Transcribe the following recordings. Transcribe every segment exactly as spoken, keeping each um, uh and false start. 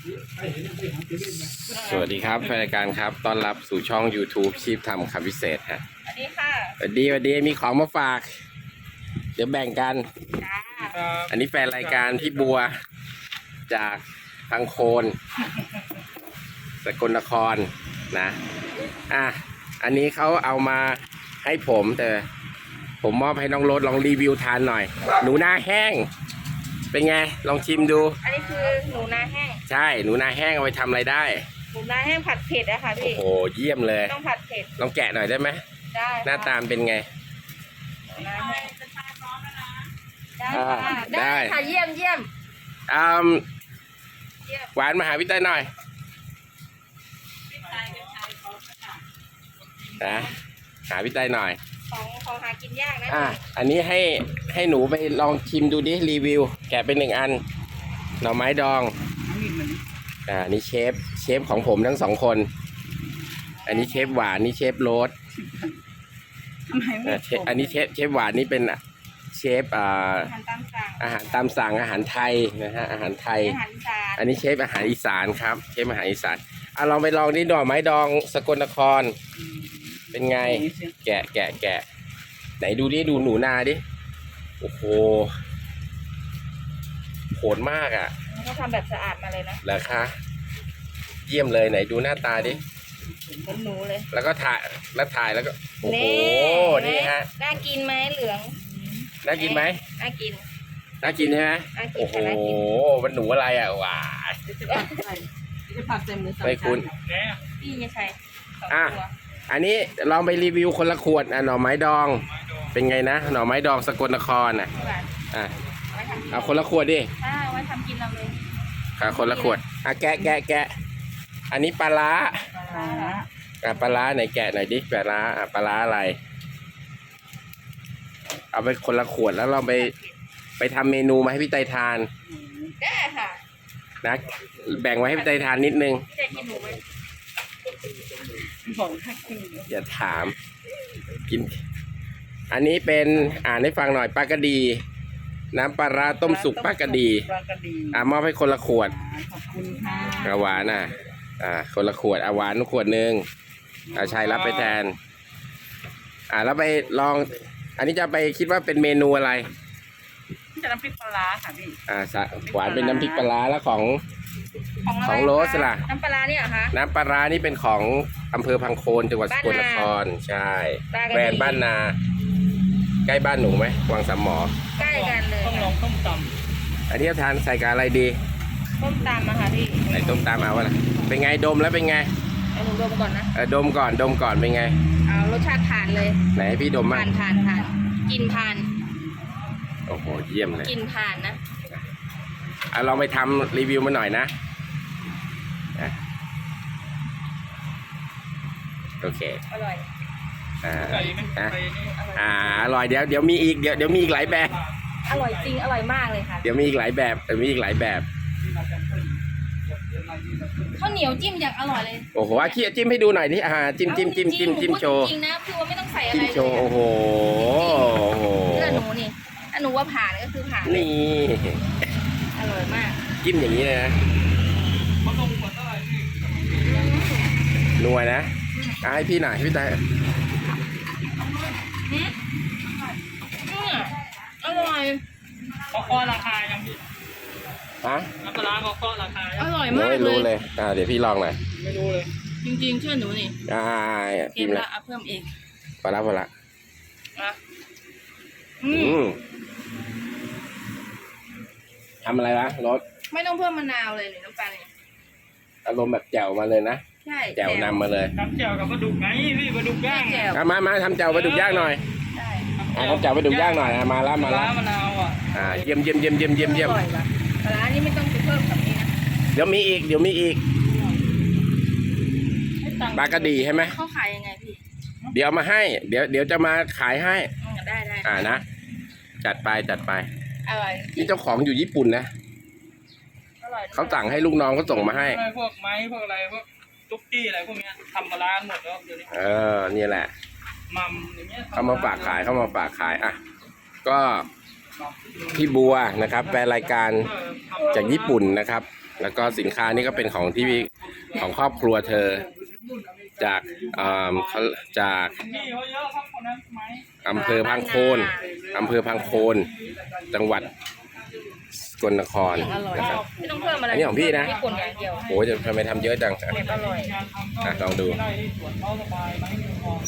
สวัสดีครับแฟนรายการครับต้อนรับสู่ช่อง YouTube ชีพทำคำพิเศษฮะสวัสดีค่ะสวัสดีสวัสดีมีของมาฝากเดี๋ยวแบ่งกันอันนี้แฟนรายการพี่บัวจากทางโคนสกลนครนะอ่ะอันนี้เขาเอามาให้ผมแต่ผมมอบให้น้องรถลองรีวิวทานหน่อยหนูนาแห้งเป็นไงลองชิมดูอันนี้คือหนูนาแห้งใช่หนูนาแห้งเอาไปทำอะไรได้หนูนาแห้งผัดเผ็ดอะค่ะพี่โอ้โหเยี่ยมเลยต้องผัดเผ็ดลองแกะหน่อยได้ไหมได้หน้าตามเป็นไงได้ค่ะได้ค่ะเยี่ยมเยี่ยมอ่าหวานมาหาพี่เต้ยหน่อยนะหาพี่เต้ยหน่อยของของหากินยากนะอ่ะอันนี้ให้ให้หนูไปลองชิมดูดิรีวิวแกะเป็นหนึ่งอันหน่อไม้ดองอ่านี่เชฟเชฟของผมทั้งสองคนอันนี้เชฟหวานนี่เชฟโรสอันนี้เชฟเชฟหวานนี่เป็นเชฟอ่าอาหารตามสั่งอาหารไทยนะฮะอาหารไทยอันนี้เชฟอาหารอีสานครับเชฟอาหารอีสานอ่ะลองไปลองนี่หน่อไม้ดองสกลนครเป็นไงแกะแกะแกะไหนดูดิดูหนูนาดิโอ้โหโหดมากอ่ะเขาทำแบบสะอาดมาเลยนะเหรอคะเยี่ยมเลยไหนดูหน้าตาดิเหมือนหนูเลยแล้วก็ถ่ายแล้วถ่ายแล้วก็โอ้โหนี่ฮะน่ากินไหมเหลืองน่ากินไหมน่ากินน่ากินใช่ไหมโอ้โหมันหนูอะไรอ่ะว้าจะผักเต็มเลยไม่คุณพี่ไม่ใช่อ่ะอันนี้ลองไปรีวิวคนละขวดอ่ะหน่อไม้ดองเป็นไงนะหน่อไม้ดองสกลนครอ่ะอ่ะเอาคนละขวดดิอ่าไว้ทำกินเราเลยค่ะคนละขวดอ่ะแกะแกะแกะอันนี้ปลาร้าอ่ะปลาร้าไหนแกะหน่อยดิปลาร้าอ่ะปลาร้าอะไรเอาไปคนละขวดแล้วเราไปไปทำเมนูมาให้พี่ไตทานได้ค่ะนะแบ่งไว้ให้พี่ไตทานนิดนึงจะกินหนูไหมอย่าถามกินอันนี้เป็นอ่านให้ฟังหน่อยปลากระดีน้ำปลาร้าต้มสุกปลากระดีอ่ามอบให้คนละขวดขอบคุณค่ะหวานอ่ะอ่าคนละขวดอาหวานขวดหนึ่งอาชัยรับไปแทนอ่าแล้วไปลองอันนี้จะไปคิดว่าเป็นเมนูอะไรจะน้ำพริกปลาค่ะพี่อ่าหวานเป็นน้ำพริกปลาแล้วของของโรสล่ะน้ำปลาเนี่ยเหรอคะน้ำปลานี่เป็นของอำเภอพังโคนจังหวัดสกลนครใช่แบรนด์บ้านนาใกล้บ้านหนูไหมวังสามหมอใกล้กันเลยต้องลองต้มตำอันนี้ทานใส่กับอะไรดีต้มตำอะค่ะพี่ใส่ต้มตำเอาวะเป็นไงดมแล้วเป็นไงเอาหนูดมก่อนนะเออดมก่อนดมก่อนเป็นไงเอารสชาติผ่านเลยไหนพี่ดมมาผ่านผ่านผ่านกินผ่านโอ้โหเยี่ยมเลยกินผ่านนะอ่ะลองไปทำรีวิวมาหน่อยนะโอเคอร่อยอ่าอ่าอร่อยเดี๋ยวเดี๋ยวมีอีกเดี๋ยวเดี๋ยวมีอีกหลายแบบอร่อยจริงอร่อยมากเลยค่ะเดี๋ยวมีอีกหลายแบบเดี๋ยวมีอีกหลายแบบข้าวเหนียวจิ้มอย่างอร่อยเลยโอ้โหอาขี้จิ้มให้ดูหน่อยดิอ่าจิ้มจิ้มจิ้มจิ้มจิ้มโชว์จริงนะคือว่าไม่ต้องใส่อะไรจิ้มโชว์โอ้โหโอ้โหเพื่อหนูนี่ถ้าหนูว่าผ่านก็คือผ่านนี่อร่อยมากจิ้มอย่างนี้เลยนะนัวนะให้พี่หน่อยให้พี่ตายอร่อยเขาข้อราคายังพี่ฮะน้ำปลาเขาข้อราคาอร่อยมากเลยไม่รู้เลยอ่าเดี๋ยวพี่ลองหน่อยไม่รู้เลยจริงๆเชื่อหนูนี่อ่าเก็บละเพิ่มเองพอละพอละอืมทำอะไรวะรสไม่ต้องเพิ่มมะนาวเลยหรือน้ำตาลนี่อารมณ์แบบแจ่วมาเลยนะใช่แจ่วนำมาเลยทำแจ่วกับปลาดุกไงพี่ปลาดุกย่างมามาทำแจ่วปลาดุกย่างหน่อยทำแจ่วปลาดุกย่างหน่อยมาละมาละมะนาวอ่ะอ่าเยี่ยมเยี่ยมเยี่ยมเยี่ยมเยี่ยมเยี่ยมปลานี้ไม่ต้องเพิ่มกับนี้นะเดี๋ยวมีอีกเดี๋ยวมีอีกปลากระดีใช่ไหมเขาขายยังไงพี่เดี๋ยวมาให้เดี๋ยวเดี๋ยวจะมาขายให้ได้ได้อ่านะจัดไปจัดไปอร่อยนี่เจ้าของอยู่ญี่ปุ่นนะเขาสั่งให้ลูกน้องเขาส่งมาให้พวกไม้พวกอะไรพวกตุ๊กกี้อะไรพวกนี้ทำมาล้างหมดแล้วเดี๋ยวนี้เออนี่แหละมัมอย่างเงี้ยเขามาฝากขายเขามาฝากขายอ่ะก็พี่บัวนะครับแฟนรายการจากญี่ปุ่นนะครับแล้วก็สินค้านี่ก็เป็นของที่ของครอบครัวเธอ จากอ่าเขาจากพี่เขาเยอะครับคนนั้นไหมอำเภอพังโคนอำเภอพังโคนจังหวัดสกลนครนะครับไม่ต้องเพิ่มอะไรอันนี้ของพี่นะญี่ปุ่นอย่างเดียวโอ้จะทำไมทำเยอะจังเก็บอร่อยงานทำก็อ่ะลองดูได้ที่สวนเขาสบายไหมพอ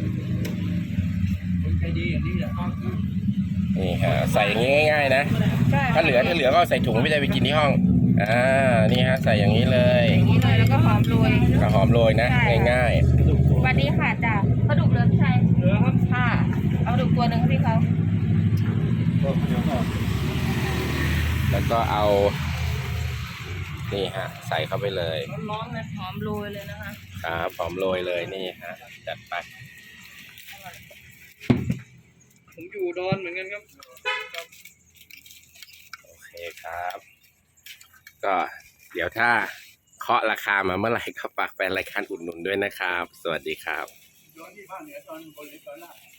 ใจดีอย่างนี้แหละนี่ฮะใส่อย่างนี้ง่ายๆนะใช่ถ้าเหลือถ้าเหลือก็ใส่ถุงไม่ได้ไปกินที่ห้องอ่านี่ฮะใส่อย่างนี้เลยอย่างนี้เลยแล้วก็หอมโรยกระหอมโรยนะ ง่ายสวัสดีค่ะจ้ะปลาดุกเหลือพี่ชัยเหลือครับค่ะเอาปลาดุกตัวหนึ่งให้พี่เขาๆ แล้วก็เอานี่ฮะใส่เข้าไปเลยร้อนๆเลยหอมโรยเลยนะคะครับหอมโรยเลยนี่ฮะจัดไปผมอยู่อุดอนเหมือนกันครับโอเคครับ ก็เดี๋ยวถ้าเคาะราคามาเมื่อไหร่ก็ฝากแฟนรายการอุดหนุนด้วยนะครับ สวัสดีครับย้อนที่ภาคเหนือตอนบนหรือตอนล่าง